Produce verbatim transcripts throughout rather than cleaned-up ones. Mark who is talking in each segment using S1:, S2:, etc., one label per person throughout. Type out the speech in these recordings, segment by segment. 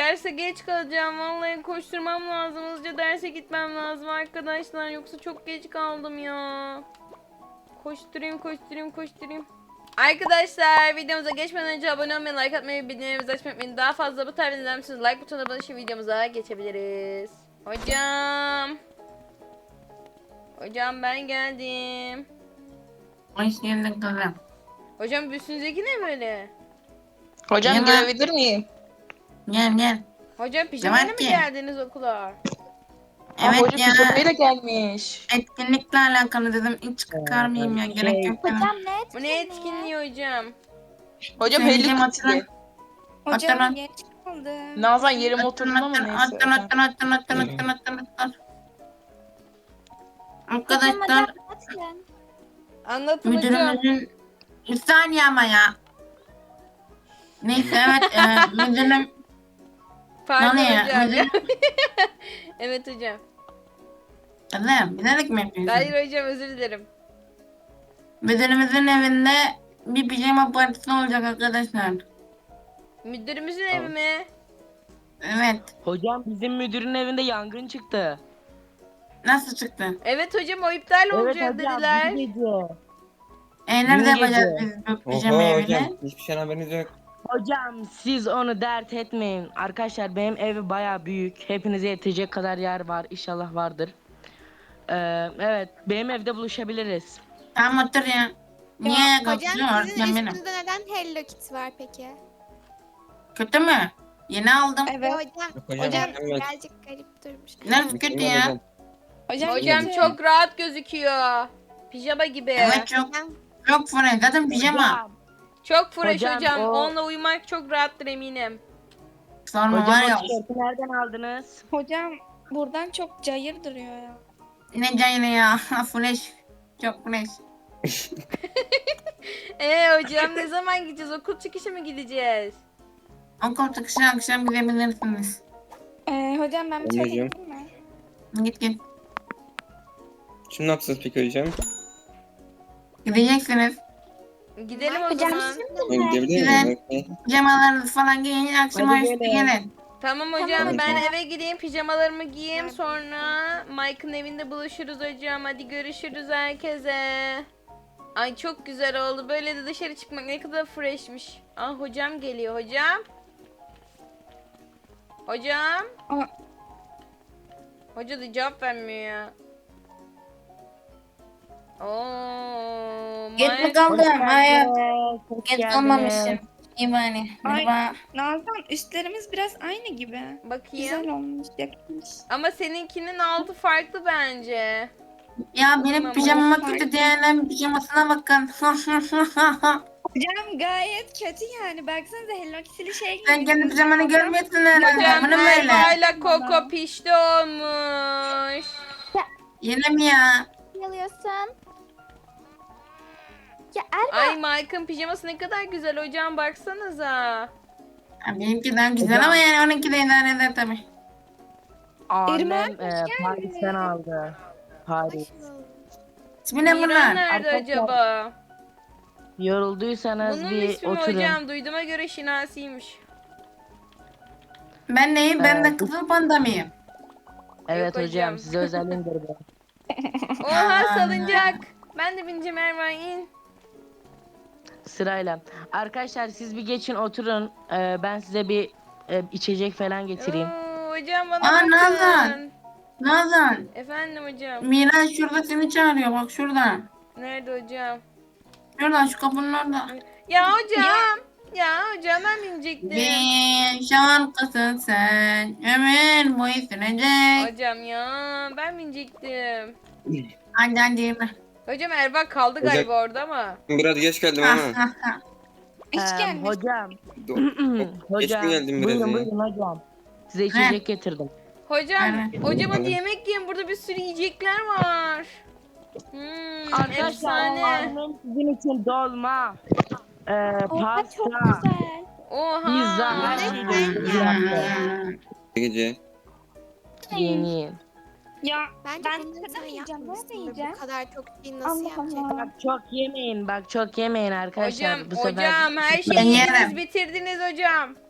S1: derse geç kalacağım. Vallahi koşturmam lazım. Hızlıca derse gitmem lazım arkadaşlar. Yoksa çok geç kaldım ya. Koşturayım, koşturayım, koşturayım. Arkadaşlar videomuza geçmeden önce abone olmayı, like atmayı, bildirimlerimizi açmayı unutmayın. Daha fazla bu tarz videolar için like butonuna basın, videomuza geçebiliriz. Hocam. Hocam ben geldim.
S2: Hoş geldin kızım.
S1: Hocam üstünüzdeki ne böyle?
S3: Hocam
S2: Yaman.
S3: girebilir miyim?
S2: Gel gel.
S1: Hocam pijamayla mı
S2: ki?
S1: geldiniz okula?
S3: Aa,
S2: Evet
S3: hoca
S2: ya.
S3: pijamayla gelmiş.
S2: Etkinlikle alakalı dedim. Hiç çıkarmayayım ya. Gerek yok dedim.
S4: Hocam ne
S1: Bu ne etkinliği hocam?
S3: Hocam
S2: Söyleyeceğim,
S3: Hello
S2: hatırla.
S3: Kitty.
S4: Hocam
S2: Oturun.
S4: geç kaldım.
S3: Nazan yerim
S2: Oturun
S3: oturdun ama
S2: oturun
S3: neyse.
S2: oturun oturun oturun oturun oturun oturun oturun. Arkadaşlar
S4: Hocam
S1: Anlatın hocam.
S2: müdürümüzün bir saniye ama ya. Neyse evet e, müdürüm
S1: Pardon
S2: ne ya?
S1: hocam.
S2: Müdür...
S1: Evet hocam.
S2: Kızım bilerek mi yapıyorsun?
S1: Hayır hocam, özür dilerim.
S2: Müdürümüzün evinde bir pijama partisi olacak arkadaşlar.
S1: Müdürümüzün evi mi?
S2: Evet.
S5: Hocam bizim müdürün evinde yangın çıktı.
S2: Nasıl çıktı?
S1: Evet hocam, o iptal olacak dediler.
S5: dün gece.
S2: E nerede
S5: Dün
S2: yapacağız
S5: gece.
S2: biz bu pijama
S6: Oho
S2: evini?
S6: hocam hiçbir şeyden haberiniz yok.
S5: Hocam siz onu dert etmeyin. Arkadaşlar benim evi baya büyük. Hepinize yetecek kadar yer var. İnşallah vardır. Ee, evet benim evde buluşabiliriz.
S2: Tamam otur ya. Niye
S7: Hocam
S2: kalkıyorsun?
S7: sizin
S2: Sen benim.
S7: üstünüzde neden Hello Kitty var peki?
S2: Kötü mü? Yeni aldım.
S7: Evet. Hocam,
S6: Yok hocam,
S7: hocam
S6: mükemmel.
S7: birazcık garip durmuş.
S2: Neresi kötü
S6: Mükemmel
S2: ya?
S6: hocam.
S4: Hocam,
S1: Hocam
S4: kötü.
S1: çok rahat gözüküyor. Pijama gibi.
S2: Evet çok
S7: Hocam,
S2: çok fresh. Zaten pijama.
S5: Hocam,
S1: Çok fresh hocam.
S5: Hocam, o-
S1: Onunla uyumak çok rahattır eminim.
S2: Sorma var
S5: hocam
S2: ya.
S5: o tişörtü nereden aldınız?
S4: Hocam buradan çok cayır duruyor ya.
S2: Ne cayını ya. Fresh. Çok fresh.
S1: Ee hocam ne zaman gideceğiz? Okul çıkışı mı gideceğiz?
S2: Okul çıkışı akşam gidebilirsiniz.
S4: Ee, hocam ben bir çay
S6: Anneciğim.
S4: getireyim mi?
S2: Git git.
S6: Şimdi ne yapacağız peki hocam?
S2: Gideceksiniz.
S1: Gidelim o
S4: Hocam
S1: zaman.
S4: sizin
S6: Ben gidebilir
S2: Güzel.
S6: miyim? Okey.
S2: Pijamalarınızı falan giyin. Akşama
S5: Hadi
S2: üstü
S5: gelin.
S2: gelin.
S1: Tamam hocam,
S7: Tamam
S1: ben
S7: hocam.
S1: eve gideyim, pijamalarımı giyeyim, sonra Mike'ın evinde buluşuruz hocam. Hadi görüşürüz herkese. Ay çok güzel oldu. Böyle de dışarı çıkmak ne kadar freshmiş. Ah hocam geliyor hocam. Hocam.
S4: Aa.
S1: Hoca da cevap vermiyor ya. Oo,
S2: Geç
S1: Mike-
S2: mi kaldım? Hayır.
S5: Hoş
S2: Geç
S5: geldiniz.
S2: kalmamışım. İyi bari.
S4: Ay.
S2: Merhaba.
S4: Nazan üstlerimiz biraz aynı gibi.
S1: Bakayım.
S4: Güzel olmuş, yakışmış.
S1: Ama seninkinin altı farklı bence.
S2: Ya benim
S1: Tamam,
S2: pijamama
S4: hadi.
S2: kötü diyenlerin pijamasına bakın.
S4: Hocam gayet kötü yani. Baksanıza Hello Kitty'li şey gibi.
S2: Sen kendi pijamanı görmüyorsun herhalde.
S1: Hocam
S2: Bunu böyle.
S1: Erva'yla Koko pişti olmuş.
S2: Yine mi ya?
S7: yalıyorsun. Ya
S1: Ay Mike'ın pijaması ne kadar güzel hocam, baksanıza.
S2: Ha, benimkinden güzel
S5: Hocam.
S2: ama yani onunki de idare eder tabii.
S5: Annem
S4: İrmen,
S5: e, Paris'ten aldı. Paris.
S2: İsmi ne
S1: Miran
S2: bunlar?
S1: nerede
S5: Arkadaşlar,
S1: acaba?
S5: Yorulduysanız
S1: Bunun
S5: bir
S1: ismi mi
S5: oturun.
S1: hocam? Duyduğuma göre Şinasi'ymiş.
S2: Ben neyim? Ben de
S5: Evet.
S2: kızıl panda mıyım?
S5: Evet
S1: Yok hocam.
S5: hocam size özel indirdim.
S1: Oha salıncak. Ben de bineceğim Erva, in.
S5: Sırayla. Arkadaşlar siz bir geçin oturun. Ee, ben size bir e, içecek falan getireyim.
S1: Oo, hocam bana
S2: Aa,
S1: bakın.
S2: Nazan. Nazan.
S1: Efendim hocam.
S2: Miran şurada seni çağırıyor bak şurada.
S1: Nerede hocam?
S2: Şurada şu kapının orada.
S1: Ya hocam. Ya hocam ben binecektim.
S2: Bir şarkısın sen ömür boyu sürecek.
S1: Hocam ya ben binecektim.
S2: Hadi hadi yürü.
S1: Hocam Erva kaldı
S6: Hocam-
S1: galiba orada ama.
S6: Biraz geç geldim
S2: Ha,
S6: ama.
S2: ha, ha.
S4: Hiç
S5: Ee,
S4: gelmiş.
S5: hocam.
S6: Do-
S5: hocam.
S6: Geç mi geldim biraz
S5: buyurun
S6: ya?
S5: buyurun hocam. Size içecek getirdim.
S1: Hocam,
S2: Evet.
S1: hocam hadi
S6: Evet.
S1: yemek yiyin. Burada bir sürü yiyecekler var. Hmm,
S5: Arkadaşlar
S1: efsane.
S5: annem sizin için dolma. Ee,
S4: Oha çok
S5: pasta.
S4: güzel.
S1: Oha.
S5: Pizza her
S7: Ne
S5: şeyi
S7: sen
S5: yaptı.
S6: Gece.
S5: Yeni.
S4: Ya
S7: Bence
S4: ben
S7: bunları
S4: neden
S7: sen
S4: yiyeceğim?
S7: yapmışsındır.
S4: Nerede yiyeceğim?
S7: Bu kadar çok şeyi nasıl
S4: Allah
S7: yapacak?
S4: Allah.
S5: Bak çok yemeyin bak çok yemeyin arkadaşlar.
S1: Hocam,
S5: Bu sefer
S1: hocam her
S2: Ben
S1: şeyi yediniz,
S2: yerim.
S1: bitirdiniz hocam.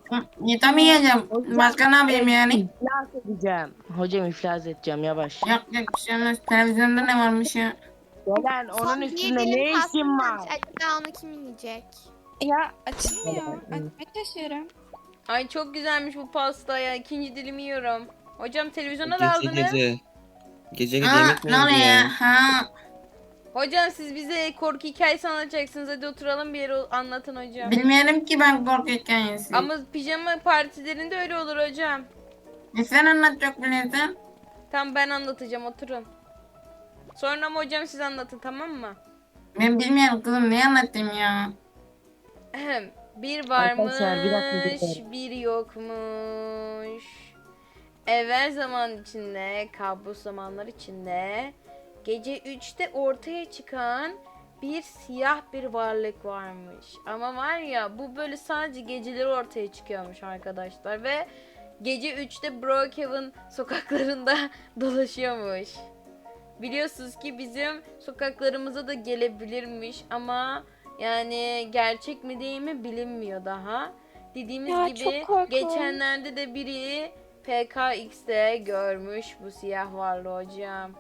S2: Yutamayacağım. Başka ne yapayım yani?
S5: İflas edeceğim. Hocam iflas edeceğim yavaş.
S2: Yok yok bir şey olmaz. Televizyonda ne varmış ya?
S5: Gelen
S7: Son
S5: onun
S7: bir
S5: üstünde
S7: dilim
S5: ne
S7: pasta
S5: işin var?
S7: varmış. Acaba onu kim yiyecek?
S4: Ya açılmıyor. Açmaya çalışıyorum.
S1: Ay çok güzelmiş bu pasta ya. İkinci dilimi yiyorum. Hocam televizyona da
S6: Gece
S1: aldınız.
S6: gece. Gece gece
S2: Aa,
S6: yemek mi
S2: ne oluyor
S6: yedin
S2: ya?
S6: ya?
S2: Ha.
S1: Hocam siz bize korku hikayesi anlatacaksınız. Hadi oturalım bir yere anlatın hocam.
S2: Bilmiyorum ki ben korku hikayesi.
S1: Ama pijama partilerinde öyle olur hocam.
S2: E sen anlat çok biliyorsun.
S1: Tamam ben anlatacağım oturun. Sonra ama hocam siz anlatın tamam mı?
S2: Ben bilmiyorum kızım ne anlatayım ya.
S1: Ahem. Bir varmış,
S5: Arkadaşlar, bir dakika, bir dakika.
S1: bir yokmuş. Evvel zaman içinde, kabus zamanlar içinde, gece üçte ortaya çıkan bir siyah bir varlık varmış. Ama var ya bu böyle sadece geceleri ortaya çıkıyormuş arkadaşlar ve gece üçte Brookhaven sokaklarında dolaşıyormuş. Biliyorsunuz ki bizim sokaklarımıza da gelebilirmiş ama yani gerçek mi değil mi bilinmiyor daha. Dediğimiz
S4: Ya,
S1: gibi
S4: çok korkunç.
S1: geçenlerde de biri P K X'te görmüş bu siyah varlığı hocam.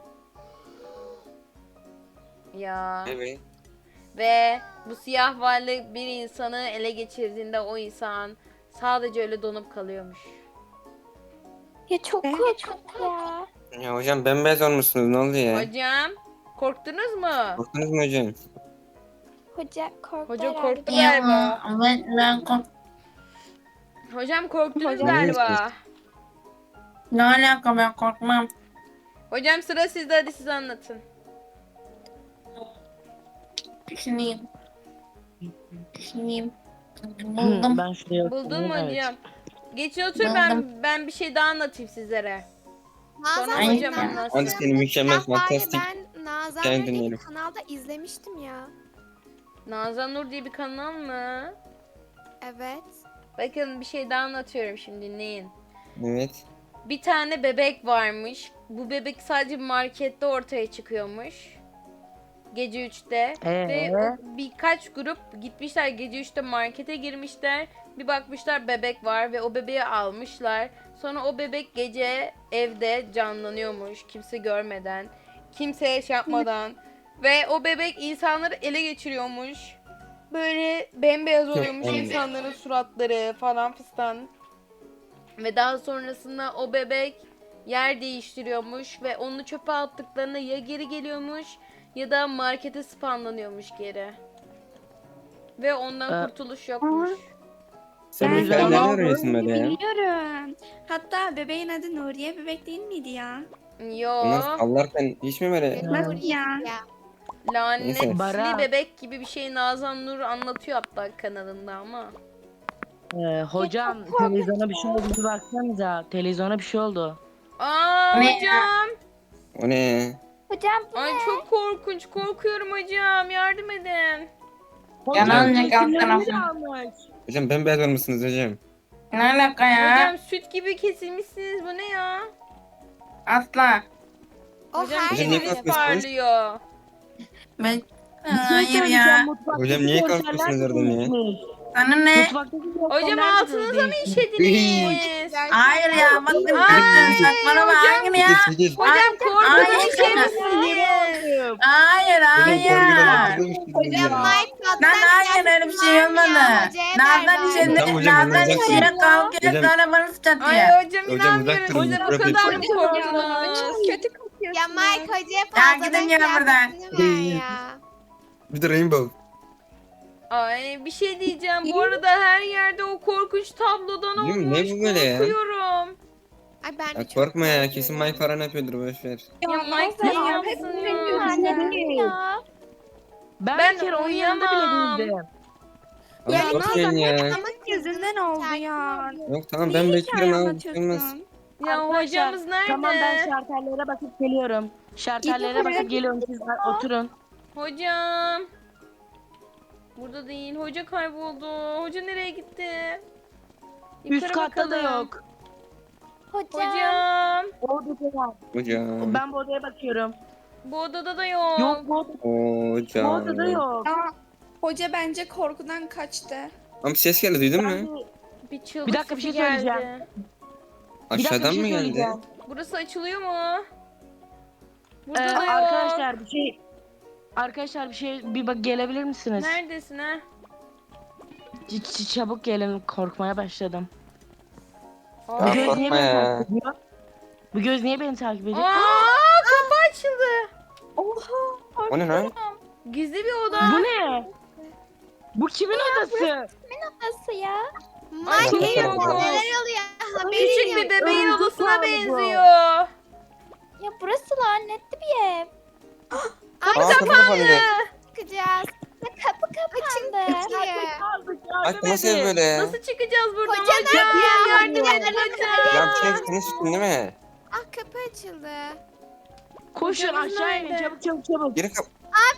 S1: Ya
S6: Evet.
S1: ve bu siyah varlık bir insanı ele geçirdiğinde o insan sadece öyle donup kalıyormuş.
S7: Ya çok
S4: Evet.
S7: korkunç ya.
S6: Ya hocam bembeyaz olmuşsunuz ne oldu ya?
S1: Hocam korktunuz mu?
S6: Korktunuz mu hocam?
S7: Hoca korktu
S1: Hoca
S7: herhalde.
S1: korktu
S2: Ya
S1: galiba.
S2: ben, ben kork...
S1: Hocam korktunuz
S4: Hocam-
S1: galiba.
S2: Ne alaka ben korkmam.
S1: Hocam sıra sizde hadi siz anlatın.
S2: Düşüneyim. Düşüneyim. Buldum.
S5: Ben şuraya
S1: Buldun mu
S5: oturayım, evet.
S1: hocam? Geçin otur ben ben bir şey daha anlatayım sizlere. Sonra
S7: Nazan
S2: Ay,
S1: hocam
S2: ya.
S1: anlatsın.
S6: Hadi seni mükemmel
S7: Ya var ya
S6: fantastik.
S7: ben Nazan
S6: Gel
S7: Nur diye bir
S6: dinleyelim.
S7: kanalda izlemiştim ya.
S1: Nazan Nur diye bir kanal mı?
S7: Evet.
S1: Bakın bir şey daha anlatıyorum şimdi dinleyin.
S6: Evet.
S1: Bir tane bebek varmış. Bu bebek sadece markette ortaya çıkıyormuş. Gece üçte.
S5: Ee?
S1: Ve o birkaç grup gitmişler gece üçte markete girmişler. Bir bakmışlar bebek var ve o bebeği almışlar. Sonra o bebek gece evde canlanıyormuş kimse görmeden. Kimseye şey yapmadan. Ve o bebek insanları ele geçiriyormuş. Böyle bembeyaz oluyormuş
S6: aynen.
S1: insanların suratları falan fistan. Ve daha sonrasında o bebek yer değiştiriyormuş ve onu çöpe attıklarında ya geri geliyormuş ya da markete spamlanıyormuş geri. Ve ondan
S5: Ee,
S1: kurtuluş yokmuş.
S6: Sen
S4: Ben
S6: bu hikayeyi nereden
S5: de
S6: öğreniyorsun böyle ya?
S4: Biliyorum. Hatta bebeğin adı Nuriye bebek değil miydi ya?
S1: Yo,
S6: Bunlar sallarken hiç mi böyle?
S7: Benim
S4: Nasıl
S7: Nuriye
S4: ya?
S7: ya.
S1: lanetli
S5: Bara.
S1: bebek gibi bir şey Nazan Nur anlatıyor hatta kanalında ama.
S5: Ee, hocam televizyona bir şey oldu bir baksanıza. Televizyona bir şey oldu.
S1: Aa
S2: Ne ya?
S1: hocam.
S6: O ne ya?
S7: Hocam bu
S1: Ay çok korkunç. Korkuyorum hocam. Yardım edin.
S2: Yalan
S5: Hocam,
S2: yakal
S5: resimlerimi de
S2: tarafı.
S5: almış.
S6: Hocam bembeyaz olmuşsunuz hocam.
S2: Ne alaka ya?
S1: Hocam süt gibi kesilmişsiniz. Bu ne ya?
S2: Asla.
S7: o
S1: Hocam
S7: her
S6: Hocam niye
S1: yüzünüz
S6: korkmuyorsunuz?
S1: parlıyor.
S2: Ben...
S5: Bir şey
S2: Hayır
S5: söyleyeceğim,
S2: ya.
S5: mutfaktaki
S6: Hocam niye
S5: görseller
S6: kalkıyorsunuz oradan ya?
S5: değişmiş.
S2: Sana ne?
S5: Mutfaktaki
S1: Hocam
S5: görseller de
S1: altınıza mı
S5: değişmiş.
S1: işediniz?
S2: Hayır ya bakın
S1: Ay,
S2: bakın saçmalama
S1: hocam.
S2: hayır ya.
S6: Sekiz, sekiz.
S1: Hocam korkudan
S2: Ay,
S1: işemişsiniz.
S2: Hayır hayır.
S7: Hocam Mike
S2: Lan hayır öyle bir şey olmadı. Nazan işe
S6: Tamam hocam,
S2: Nazan
S6: uzak
S2: işe
S6: durun.
S2: kavga et
S6: Hocam-
S2: sonra bana sıçratıyor.
S1: Ay hocam
S6: Hocam,
S1: inanmıyorum
S6: uzak durun,
S1: size bu
S6: bırakın.
S1: kadar mı
S4: Hocam
S1: korktunuz?
S4: çok kötü kokuyorsunuz.
S7: Ya Mike hocaya
S2: Ya
S7: fazladan
S2: gidin ya buradan.
S7: kıyafetini ver ya.
S6: Bir de rainbow.
S1: Ay bir şey diyeceğim. Bu arada her yerde o korkunç tablodan
S6: Değil mi?
S1: olmuş.
S6: Ne bu böyle ya?
S1: Korkuyorum.
S7: Ay ben de
S6: Ya
S7: çok
S6: korkma ya
S7: korkuyorum.
S6: kesin Mike falan yapıyordur boşver.
S1: Ya Mike
S4: Nazan,
S1: ne
S4: hep
S1: yapsın
S4: benim
S1: ya?
S4: yüzümden değil.
S7: Ya.
S5: Ben,
S1: Ben
S5: bir kere onun yanında bile
S1: uyuyamam.
S5: değildim.
S6: Ama
S7: Ya
S6: korkmayın
S7: Nazan
S6: ya.
S7: ama
S4: Yüzünden oldu ya.
S6: Yok tamam
S4: Niye
S6: ben
S4: hikaye
S6: bekliyorum abi. Olmaz.
S4: anlatıyorsun?
S1: Ya
S5: Arkadaşlar,
S1: hocamız nerede?
S5: Tamam ben şartellere bakıp geliyorum. Şartellere
S4: Gidin,
S5: bakıp geliyorum siz oturun.
S1: Hocam. Burada değil. Hoca kayboldu. Hoca nereye gitti?
S5: Üst
S1: Yukarı
S5: katta da
S1: bakalım.
S5: yok.
S7: Hocam.
S1: Hocam.
S5: O odada var.
S6: Hocam.
S5: Ben bu odaya bakıyorum.
S1: Bu odada da yok.
S5: Yok bu, oda, bu
S6: Hocam.
S5: odada yok.
S4: Aa, hoca bence korkudan kaçtı.
S6: Ama ses geldi duydun mu?
S5: Ben bir
S1: Bir çığlık
S5: Bir dakika, bir
S1: sesi
S5: şey söyleyeceğim.
S1: geldi.
S5: Bir dakika,
S6: Aşağıdan
S5: bir şey
S6: mı geldi?
S5: söyleyeceğim.
S1: Burası açılıyor mu? Burada
S5: Ee,
S1: da yok.
S5: arkadaşlar bir şey Arkadaşlar bir şey bir bak gelebilir misiniz?
S1: Neredesin ha?
S5: Ç- ç- çabuk gelin, korkmaya başladım.
S1: Aa,
S5: Bu göz niye
S6: korkma
S5: beni
S6: ya.
S5: takip ediyor? Bu göz niye beni takip ediyor?
S1: Aa, kapı açıldı.
S4: Oha.
S6: O ne lan?
S1: Gizli bir oda.
S5: Bu ne? Bu kimin odası?
S4: Nasıl ya?
S1: Ay,
S7: Ay
S1: çok
S7: neler
S1: korkunç.
S7: oluyor? Haberin
S1: Küçük
S7: yok.
S1: bir bebeğin
S5: Öldü
S1: odasına
S5: galiba.
S1: benziyor.
S4: Ya burası lanetli bir ev.
S6: Aa kapı kapandı.
S7: Çıkacağız.
S4: Ya kapı kapandı.
S6: Ay bu nasıl ev böyle ya?
S1: Nasıl çıkacağız buradan
S7: Hoca
S1: hocam?
S7: nerede?
S1: Yardım
S7: Yardım
S1: edin
S7: edin.
S1: hocam.
S6: Ya bir şey senin sütün değil mi?
S7: Ah kapı açıldı.
S5: Koşun
S1: Hocamız
S5: aşağı inin,
S1: nerede?
S5: çabuk çabuk çabuk.
S6: Geri kap...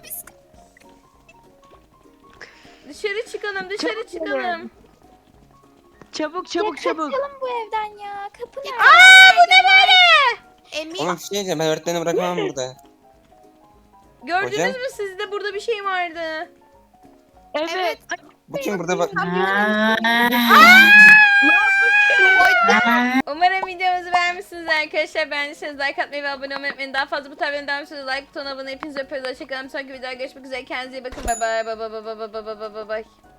S1: Dışarı çıkalım, dışarı
S5: Çabuk
S1: çıkalım.
S5: Çabuk çabuk
S4: ya
S5: çabuk.
S4: kaçalım bu evden ya. Kapı nerede?
S1: Aa, bu ne böyle?
S7: Emin.
S6: Oğlum bir şey diyeceğim ben öğretmeni bırakamam burada.
S1: Gördünüz
S6: Hocam?
S1: mü sizde burada bir şey vardı.
S5: Evet.
S6: Bu kim burada bak.
S1: Umarım videomuzu beğenmişsiniz arkadaşlar. Beğendiyseniz like atmayı ve abone olmayı unutmayın. Daha fazla bu tarz videoların devam için like butonuna abone. Hepinizi öpüyoruz. Hoşçakalın. Sonraki videoda görüşmek üzere. Kendinize iyi bakın. Bye bye. Bye bye bye bye bye bye bye bye.